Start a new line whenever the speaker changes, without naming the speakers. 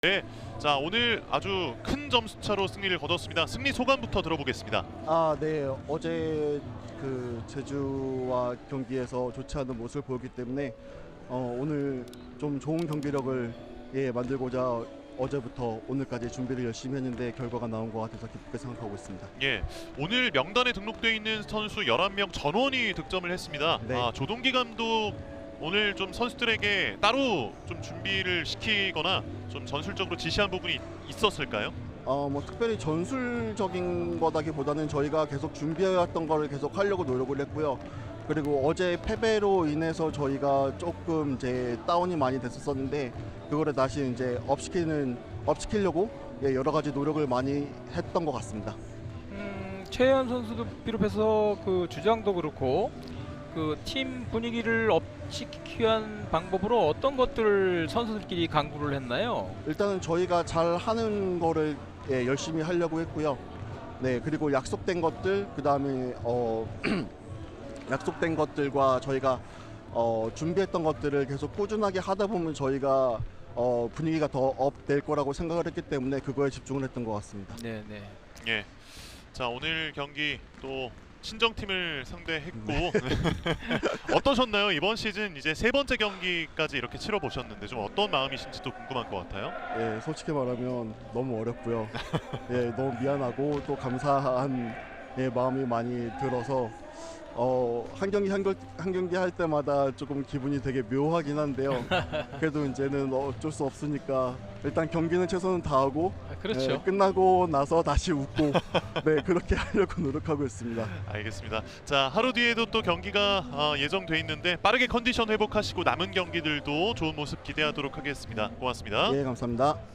네, 자 오늘 아주 큰 점수차로 승리를 거뒀습니다. 승리 소감부터 들어보겠습니다.
네. 어제 그 제주와 경기에서 좋지 않은 모습을 보였기 때문에 오늘 좀 좋은 경기력을 만들고자 어제부터 오늘까지 준비를 열심히 했는데 결과가 나온 것 같아서 기쁘게 생각하고 있습니다.
예, 오늘 명단에 등록되어 있는 선수 11명 전원이 득점을 했습니다.
네.
조동기 감독 오늘 좀 선수들에게 따로 좀 준비를 시키거나 좀 전술적으로 지시한 부분이 있었을까요?
뭐 특별히 전술적인 거다기보다는 저희가 계속 준비해왔던 거를 계속 하려고 노력을 했고요. 그리고 어제 패배로 인해서 저희가 조금 이제 다운이 많이 됐었는데 그거를 다시 이제 업시키려고 여러 가지 노력을 많이 했던 것 같습니다.
최현 선수도 비롯해서 그 주장도 그렇고 그 팀 분위기를 업시키기 위한 방법으로 어떤 것들을 선수들끼리 강구를 했나요?
일단은 저희가 잘 하는 거를 열심히 하려고 했고요. 네, 그리고 약속된 것들, 그 다음에 약속된 것들과 저희가 준비했던 것들을 계속 꾸준하게 하다 보면 저희가 분위기가 더 업 될 거라고 생각을 했기 때문에 그거에 집중을 했던 것 같습니다.
네.
예, 자 오늘 경기 또 친정팀을 상대했고 어떠셨나요? 이번 시즌 이제 세 번째 경기까지 이렇게 치러 보셨는데 좀 어떤 마음이신지도 궁금한 것 같아요.
예, 솔직히 말하면 너무 어렵고요. 너무 미안하고 또 감사한 마음이 많이 들어서 한 경기 할 때마다 조금 기분이 되게 묘하긴 한데요. 그래도 이제는 어쩔 수 없으니까 일단 경기는 최선을 다하고
그렇죠.
끝나고 나서 다시 웃고 그렇게 하려고 노력하고 있습니다.
알겠습니다. 자 하루 뒤에도 또 경기가 예정돼 있는데 빠르게 컨디션 회복하시고 남은 경기들도 좋은 모습 기대하도록 하겠습니다. 고맙습니다.
예, 감사합니다.